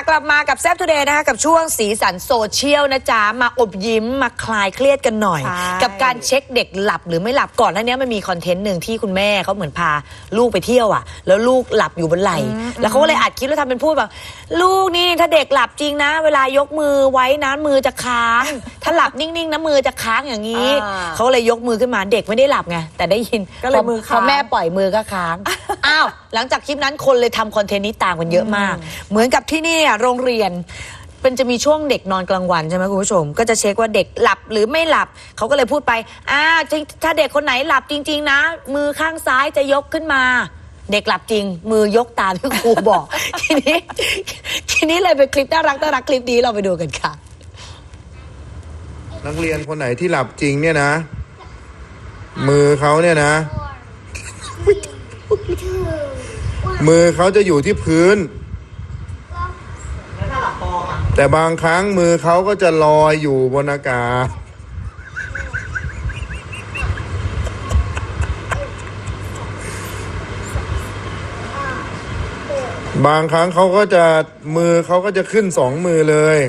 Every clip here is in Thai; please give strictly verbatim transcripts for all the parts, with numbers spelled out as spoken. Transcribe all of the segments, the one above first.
กลับมากับแซ่บทูเดย์นะคะกับช่วงสีสันโซเชียลนะจ๊ะมาอบยิ้มมาคลายเครียดกันหน่อยกับการเช็คเด็กหลับหรือไม่หลับก่อนหน้านี้มันมีคอนเทนต์หนึ่งที่คุณแม่เขาเหมือนพาลูกไปเที่ยวอ่ะแล้วลูกหลับอยู่บนไหล่แล้วเขาก็เลยอัดคลิปแล้วทำเป็นพูดแบบลูกนี่ถ้าเด็กหลับจริงนะเวลายกมือไว้นะมือจะค้างถ้าหลับนิ่งๆนะมือจะค้างอย่างนี้เขาเลยยกมือขึ้นมาเด็กไม่ได้หลับไงแต่ได้ยินก็เลยมือค้างพอแม่ปล่อยมือก็ค้างอ้าวหลังจากคลิปนั้นคนเลยทำคอนเทนต์นี้ตามกันเยอะมากเหมือนกับที่นี่โรงเรียนเป็นจะมีช่วงเด็กนอนกลางวันใช่ไหมคุณผู้ชมก็จะเช็คว่าเด็กหลับหรือไม่หลับเขาก็เลยพูดไปอ่าถ้าเด็กคนไหนหลับจริงๆนะมือข้างซ้ายจะยกขึ้นมาเด็กหลับจริงมือยกตามที่ครูบอก ทีนี้ทีนี้เลยเป็นคลิปน่ารักน่ารักคลิปนี้เราไปดูกันค่ะนักเรียนคนไหนที่หลับจริงเนี่ยนะมือเขาเนี่ยนะมือเขาจะอยู่ที่พื้นแต่บางครั้งมือเขาก็จะลอยอยู่บนอากาศบางครั้งเขาก็จะมือเขาก็จะขึ้นสองมือเลย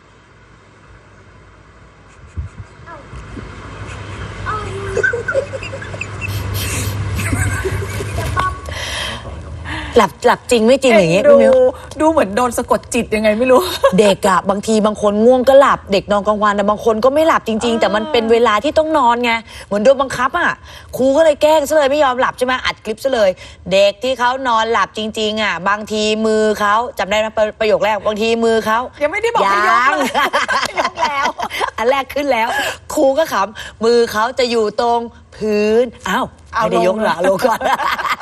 หลับหลับจริงไม่จริงอย่างเงี้ยดูดูเหมือนโดนสะกดจิตยังไงไม่รู้เด็กอะบางทีบางคนง่วงก็หลับเด็กนอนกลางวันแต่บางคนก็ไม่หลับจริงๆแต่มันเป็นเวลาที่ต้องนอนไงเหมือนโดนบังคับอะครูก็เลยแกล้งซะเลยไม่ยอมหลับใช่ไหมอัดคลิปซะเลยเด็กที่เขานอนหลับจริงๆอะบางทีมือเขาจำได้ไหมประโยคแรกบางทีมือเขายังไม่ได้บอกให้ยกเลยยกแล้วอันแรกขึ้นแล้วครูก็ขำมือเขาจะอยู่ตรงพื้นอ้าวไม่ได้ยกหรอลงก่อน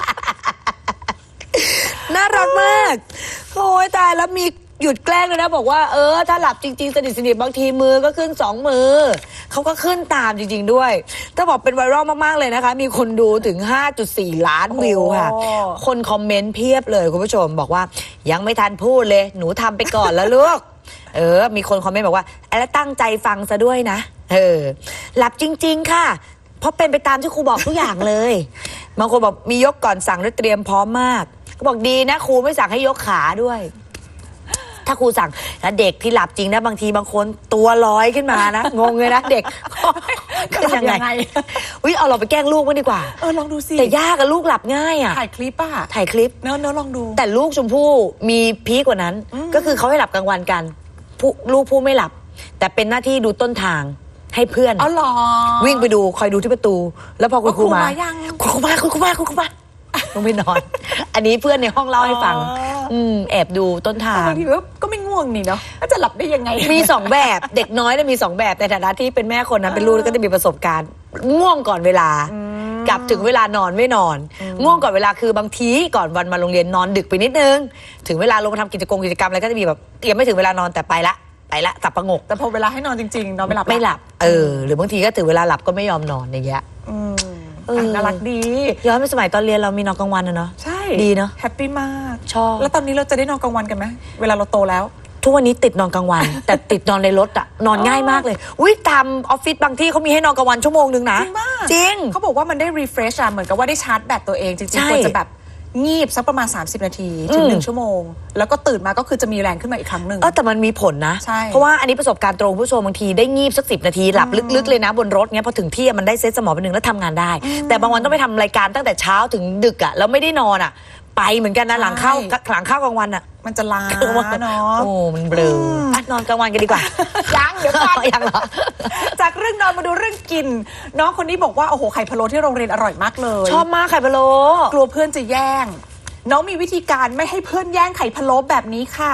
น่ารักมากโอ้ยตายแล้วมีหยุดแกล้งเลยนะบอกว่าเออถ้าหลับจริงๆสนิทสนิทบางทีมือก็ขึ้นสองมือเขาก็ขึ้นตามจริงๆด้วยถ้าบอกเป็นไวรัลมากๆเลยนะคะมีคนดูถึง ห้าจุดสี่ ล้านวิวค่ะคนคอมเมนต์เพียบเลยคุณผู้ชมบอกว่ายังไม่ทันพูดเลยหนูทำไปก่อนแล้วลูกเออมีคนคอมเมนต์บอกว่าแล้วตั้งใจฟังซะด้วยนะเออหลับจริงๆค่ะเพราะเป็นไปตามที่ครูบอกทุกอย่างเลยบางคนบอกมียกก่อนสั่งและเตรียมพร้อมมากก็บอกดีนะครูไม่สั่งให้ยกขาด้วยถ้าครูสั่งแล้วเด็กที่หลับจริงนะบางทีบางคนตัวลอยขึ้นมานะงงเลยนะเด็กก็ยังไงอุ้ยเอาเราไปแกล้งลูกมั้งดีกว่าเออลองดูสิแต่ยากอะลูกหลับง่ายอะถ่ายคลิปอะถ่ายคลิปเนอะเนอะลองดูแต่ลูกชมพู่มีพีกกว่านั้นก็คือเขาให้หลับกลางวันกันผู้ลูกผู้ไม่หลับแต่เป็นหน้าที่ดูต้นทางให้เพื่อนอ๋อหรอวิ่งไปดูคอยดูที่ประตูแล้วพอคุณครูมาคุณครูมาคุณครูมาคุณครูมาต้องไปนอนอันนี้เพื่อนในห้องเล่าให้ฟังอืมแอบดูต้นทางบางทีก็ไม่ง่วงนี่เนาะจะหลับได้ยังไงมีสองแบบเด็กน้อยเนี่ยมีสองแบบในฐานะที่เป็นแม่คนนั้นเป็นลูกก็จะมีประสบการณ์ง่วงก่อนเวลากับถึงเวลานอนไม่นอนง่วงก่อนเวลาคือบางทีก่อนวันมาโรงเรียนนอนดึกไปนิดนึงถึงเวลาลงมาทำกิจกรรมกิจกรรมอะไรก็จะมีแบบยังไม่ถึงเวลานอนแต่ไปละไปละสับประงกแต่พอเวลาให้นอนจริงๆนอนไม่หลับไม่หลับเออหรือบางทีก็ถึงเวลาหลับก็ไม่ยอมนอนอย่างเงี้ยน่ารักดีย้อนไปสมัยตอนเรียนเรามีนอนกลางวันนะเนาะใช่ดีเนาะแฮปปี้มากชอบแล้วตอนนี้เราจะได้นอนกลางวันกันไหมเวลาเราโตแล้วทุกวันนี้ติดนอนกลางวัน แต่ติดนอนในรถอะนอนง่ายมากเลยอุ้ยตามออฟฟิศบางที่เขามีให้นอนกลางวันชั่วโมงนึงนะจริงเขาบอกว่ามันได้ refresh อะเหมือนกับว่าได้ชาร์จแบตตัวเองจริงๆควรจะแบบงีบสักประมาณสามสิบนาทีถึงหนึ่งชั่วโมงแล้วก็ตื่นมาก็คือจะมีแรงขึ้นมาอีกครั้งหนึ่งเออแต่มันมีผลนะใช่เพราะว่าอันนี้ประสบการณ์ตรงผู้ชมบางทีได้งีบสักสิบนาทีหลับลึกๆเลยนะบนรถเงี้ยพอถึงที่มันได้เซตสมองไปหนึ่งแล้วทำงานได้แต่บางวันต้องไปทำรายการตั้งแต่เช้าถึงดึกอ่ะแล้วไม่ได้นอนอ่ะไปเหมือนกันนะหลังเข้าหลังเข้ากลางวันอ่ะมันจะล้าเนาะโอ้มันเบลอนอนกลางวันกันดีกว่ายังเดี๋ยวก่อนยังเหรอจากเรื่องนอนมาดูเรื่องกินน้องคนนี้บอกว่าโอ้โหไข่พะโล้ที่โรงเรียนอร่อยมากเลยชอบมากไข่พะโล้กลัวเพื่อนจะแย่งน้องมีวิธีการไม่ให้เพื่อนแย่งไข่พะโล้แบบนี้ค่ะ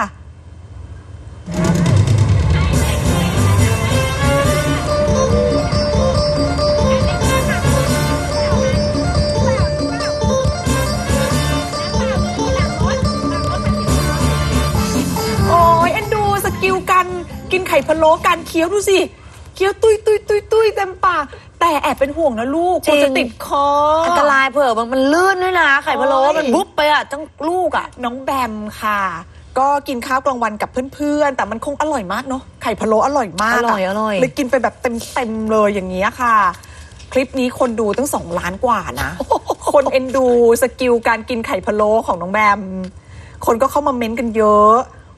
โอ้ยเอ็นดูสกิลการกินไข่พะโล้การเคี้ยวดูสิเคี้ยวตุยตุยตุยตุยเต็มปากแต่แอบเป็นห่วงนะลูกจะติดคออันตรายเผื่อมันมันลื่นด้วยนะไข่พะโล้มันบุ๊บไปอ่ะทั้งลูกอ่ะน้องแบมค่ะก็กินข้าวกลางวันกับเพื่อนๆแต่มันคงอร่อยมากเนาะไข่พะโล้อร่อยมากอร่อยอร่อยเลยกินไปแบบเต็มๆเลยอย่างเงี้ยค่ะคลิปนี้คนดูตั้งสองล้านกว่านะคนเอ็นดูสกิลการกินไข่พะโล้ของน้องแบมคนก็เข้ามาเม้นต์กันเยอะ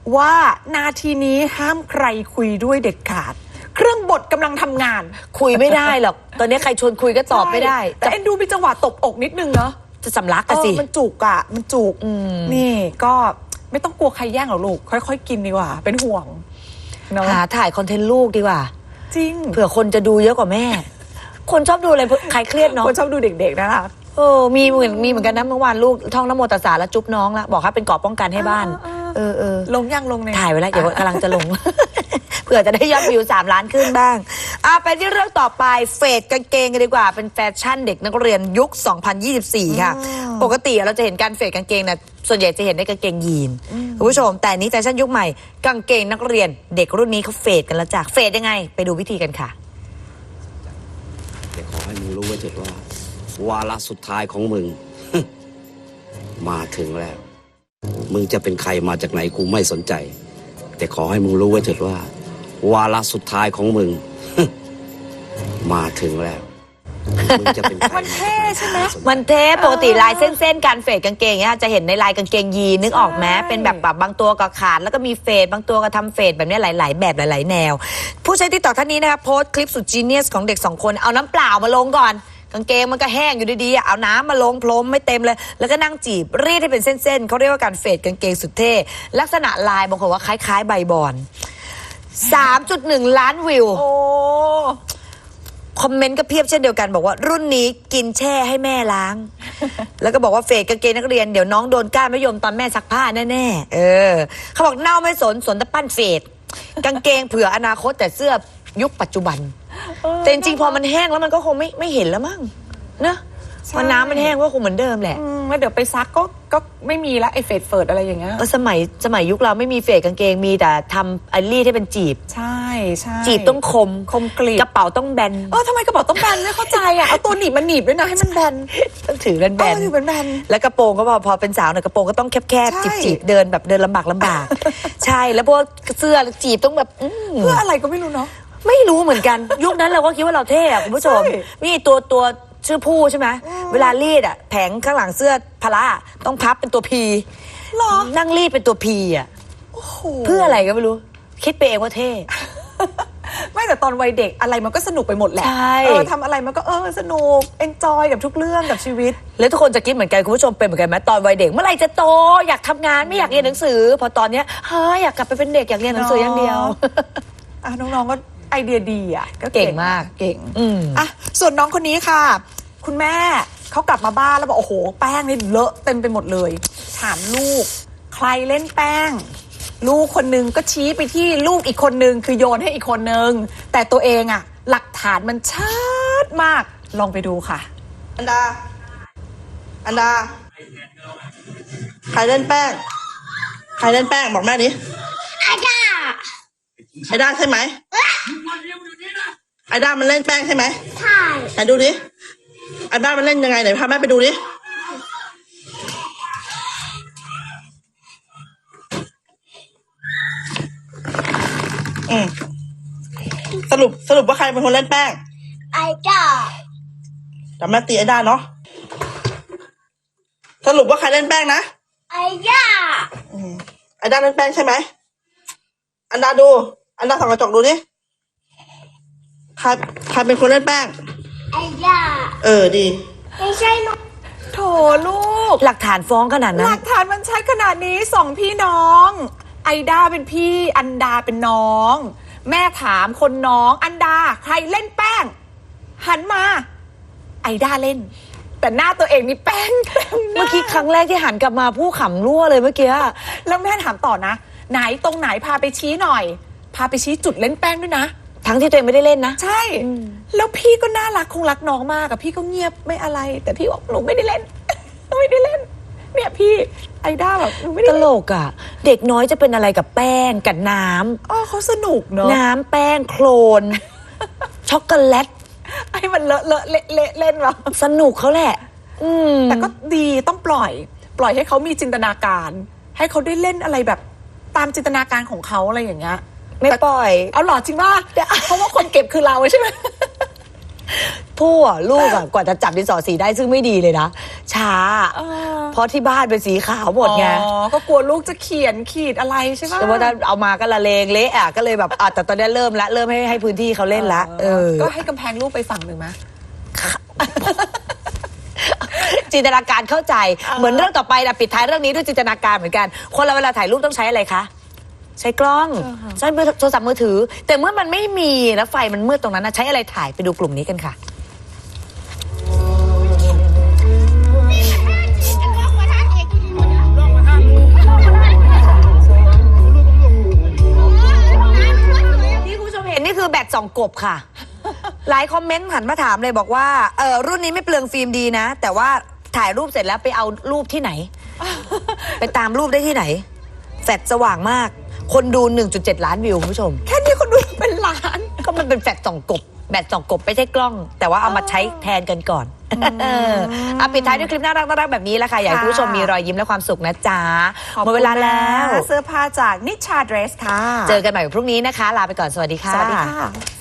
ว่านาทีนี้ห้ามใครคุยด้วยเด็ดขาด เครื่องบดกำลังทำงานคุยไม่ได้หรอกตอนนี้ใครชวนคุยก็ตอบไม่ได้แต่เอ็นดูมีจังหวะตบอกนิดนึงเนาะจะสำลักกันสิเออมันจุกอ่ะมันจุกนี่ก็ไม่ต้องกลัวใครแย่งหรอกลูกค่อยๆกินดีกว่าเป็นห่วงเนาะหาถ่ายคอนเทนต์ลูกดีกว่าจริงเผื่อคนจะดูเยอะกว่าแม่ คนชอบดูอะไรใครเครียดเนาะคนชอบดูเด็กๆนะคะเออมีเหมือนมีเหมือนกันนะเมื่อวานลูกท่องนโมตัสสะแล้วจุ๊บน้องละบอกให้เป็นเกราะป้องกันให้บ้าน เออเออลงยังลงในถ่ายไว้แล้วเดี๋ยวกำลังจะลง เผื่อจะได้ยอดวิวสามล้านขึ้นบ้างอ่ะไปที่เรื่องต่อไปเฟดกางเกงกันดีกว่าเป็นแฟชั่นเด็กนักเรียนยุค สองพันยี่สิบสี่ ค่ะ ปกติเราจะเห็นการเฟดกางเกงนะส่วนใหญ่จะเห็นในกางเกงยีนคุณผู้ชมแต่นี้แฟชั่นยุคใหม่กางเกงนักเรียนเด็กรุ่นนี้เขาเฟดกันแล้วจ้ะเฟดยังไงไปดูวิธีกันค่ะแต่ขอให้มึงรู้ไว้เถิดว่าวาระสุดท้ายของมึง มาถึงแล้ว มึงจะเป็นใครมาจากไหนกูไม่สนใจ แต่ขอให้มึงรู้ไว้เถิดว่า วาระสุดท้ายของมึง มาถึงแล้ว มึงจะเป็นใครมันเท่ใช่ไหมมันเทปปกติลายเส้นๆการเฟดกางเกงเนี่ยจะเห็นในลายกางเกงยีนนึกออกไหมเป็นแบบแบบบางตัวก็ขาดแล้วก็มีเฟดบางตัวก็ทำเฟดแบบนี้หลาย ๆ แบบหลาย ๆ แนว ผู้ใช้ติ๊กต็อกท่านนี้นะคะโพสต์คลิปสุดจีเนียสของเด็กสองคนเอาน้ำเปล่ามาลงก่อนกางเกงมันก็แห้งอยู่ดีๆเอาน้ำมาลงพรมไม่เต็มเลยแล้วก็นั่งจีบรีดให้เป็นเส้นๆเขาเรียกว่าการเฟดกางเกงสุดเท่ลักษณะลายบางคนว่าคล้ายๆใบบอน สามจุดหนึ่ง ล้านวิวโอ้คอมเมนต์ก็เพียบเช่นเดียวกันบอกว่ารุ่นนี้กินแช่ให้แม่ล้าง แล้วก็บอกว่าเฟดกางเกงนักเรียนเดี๋ยวน้องโดนก้านมะยมตอนแม่ซักผ้าแน่ๆเออเขาบอกเน่าไม่สนสนแต่ปั้นเฟดกางเกงเผื่ออนาคตแต่เสื้อยุคปัจจุบันแต่จริงๆพอมันแห้งแล้วมันก็คงไม่ไม่เห็นแล้วมั้งนะมันน้ำมันแห้งก็คงเหมือนเดิมแหละอืมแล้วเดี๋ยวไปซักก็ก็ไม่มีแล้วไอ้เฟดเฟิร์ดอะไรอย่างเงี้ยเออสมัยสมัยยุคเราไม่มีเฟดกางเกงมีแต่ทำไอรีดให้เป็นจีบใช่ใช่จีบต้องคมคมกรีบกระเป๋าต้องแบนเออทำไมกระเป๋าต้องแบนไม่เข้าใจอ่ะเอาตัวหนีบมาหนีบด้วยนะให้มันแบนต้องถือแบนเออถือแบนแล้วกระโปรงก็พอพอเป็นสาวเนี่ยกระโปรงก็ต้องแคบใช่ๆจีบๆเดินแบบเดินลำบากลำบาก ใช่แล้วพวกเสื้อจีบต้องแบบอื้อเพื่ออะไรก็ไม่รู้เนาะไม่รู้เหมือนกัน ยุคนั้นเราก็คิดว่าเราเท่อะคุณผู้ชมใช่นี่ตัวตัวชื่อผู้ใช่ไหมเวลารีดอะแผงข้างหลังเสื้อพละต้องพับเป็นตัวพีหรอนั่งรีดเป็นตัวพีอะโอ้โหเพื่ออะไรก็ไม่รู้ คิดไปเองว่าเท่ไม่แต่ตอนวัยเด็กอะไรมันก็สนุกไปหมดแหละใช่เออทำอะไรมันก็เออสนุกเอนจอยกับทุกเรื่องกับชีวิตแล้วทุกคนจะคิดเหมือนกันคุณผู้ชมเป็นเหมือนกันไหมตอนวัยเด็กเมื่อไหร่จะโตอยากทำงานไม่อยากเรียนหนังสือ พอตอนเนี้ยเฮ้ยอยากกลับไปเป็นเด็กอยากเรียนหนังสืออย่างเดียวอ่ะน้องๆก็ไอเดียดีอ่ะก็เก่งมากเก่งอืมอ่ะส่วนน้องคนนี้ค่ะ คุณแม่เขากลับมาบ้านแล้วบอกโอ้โหแป้งนี่เลอะเต็มไปหมดเลยถามลูก ใครเล่นแป้ง ลูกคนนึงก็ชี้ไปที่ลูกอีกคนนึงคือโยนให้อีกคนนึงแต่ตัวเองอ่ะ หลักฐานมันชัดมากลองไปดูค่ะอันดา อันดา ใครเล่นแป้ง ใครเล่นแป้งบอกแม่ดิไอด้า ไอด้าใช่ไหมไอด้ามันเล่นแป้งใช่ไหมใช่ไหนดูดิ ไอด้ามันเล่นยังไงไหนพาแม่ไปดูดิ อืมสรุปสรุปว่าใครเป็นคนเล่นแป้งไอด้าแต่แม่ตีไอด้าเนาะ สรุปว่าใครเล่นแป้งนะไอด้าไอด้าเล่นแป้งใช่ไหม อันดาดู อันดาส่องกระจกดูดิ ใครใครเป็นคนเล่นแป้งไอด้าเออดีไม่ใช่หนูโถลูกหลักฐานฟ้องขนาดหนั้ลันกฐานมันชัดขนาดนี้สองพี่น้อง ไอด้าเป็นพี่อันดาเป็นน้อง แม่ถามคนน้องอันดาใครเล่นแป้ง หันมา ไอด้าเล่น แต่หน้าตัวเองนี่แป้งเต็มหน้าเมื่อกี้ครั้งแรกที่หันกลับมาผู้ขำรั่วเลยเมื่อกี้แล้วแม่ถามต่อนะ ไหนตรงไหนพาไปชี้หน่อย พาไปชี้จุดเล่นแป้งด้วยนะทั้งที่ตัวเองไม่ได้เล่นนะใช่ แล้วพี่ก็น่ารักคงรักน้องมากอะพี่ก็เงียบไม่อะไร แต่พี่บอกหนูไม่ได้เล่น ไม่ได้เล่น เนี่ยพี่ไอด้าแบบหนูไม่ตได้ลเล่นกอ่ะ เด็กน้อยจะเป็นอะไรกับแป้งกับน้อ๋อเขาสนุกเนอะำน้ำแป้งโคลน ช็อกโกแลตให้มันเลอะเลอะเละเละเล่นวะสนุกเขาแหละ อืมแต่ก็ดีต้องปล่อย ปล่อยให้เขามีจินตนาการ ให้เขาได้เล่นอะไรแบบตามจินตนาการของเขาอะไรอย่างเงี้ยไม่ปล่อยเอาหรอจริงป่ะเพราะว่าคนเก็บคือเราใช่ไหมผู้อะลูกอะกว่าจะจับดินสอสีได้ซึ่งไม่ดีเลยนะช้าเออเพราะที่บ้านเป็นสีขาวหมดไงอ๋อก็กลัวลูกจะเขียนขีดอะไรใช่ปะแต่ว่าถ้าเอามาก็ละเลงเละอ่ะก็เลยแบบอ่ะแต่ตอนนี้เริ่มละเริ่มให้ให้พื้นที่เขาเล่นละเออก็ให้กำแพงลูกไปฝั่งหนึ่งไหมจินตนาการเข้าใจเหมือนเรื่องต่อไปนะปิดท้ายเรื่องนี้ด้วยจินตนาการเหมือนกันคนเราเวลาถ่ายรูปต้องใช้อะไรคะใช้กล้องใช้โทรศัพท์มือถือ แต่เมื่อมันไม่มีแล้วไฟมันมืดตรงนั้นนะใช้อะไรถ่ายไปดูกลุ่มนี้กันค่ะที่คุณผู้ชมเห็นนี่คือแบตส่องกบค่ะ หลายคอมเมนต์หันมาถามเลยบอกว่าเออรุ่นนี้ไม่เปลืองฟิล์มดีนะ แต่ว่าถ่ายรูปเสร็จแล้วไปเอารูปที่ไหน ไปตามรูปได้ที่ไหนแฟลชสว่างมาก คนดู หนึ่งจุดเจ็ด ล้านวิวคุณผู้ชมแค่นี้คนดูเป็นล้านก็มันเป็นแฟลชส่องกบแบตส่องกบไม่ใช่กล้อง แต่ว่าเอามาใช้แทนกันก่อนเออเอาปิดท้ายด้วยคลิปน่ารักน่ารักแบบนี้แหละค่ะอยากให้คุณผู้ชมมีรอยยิ้มและความสุขนะจ๊ะหมดเวลาแล้วเสื้อผ้าจากนิชาเดรสค่ะเจอกันใหม่พรุ่งนี้นะคะ ลาไปก่อนสวัสดีค่ะสวัสดีค่ะ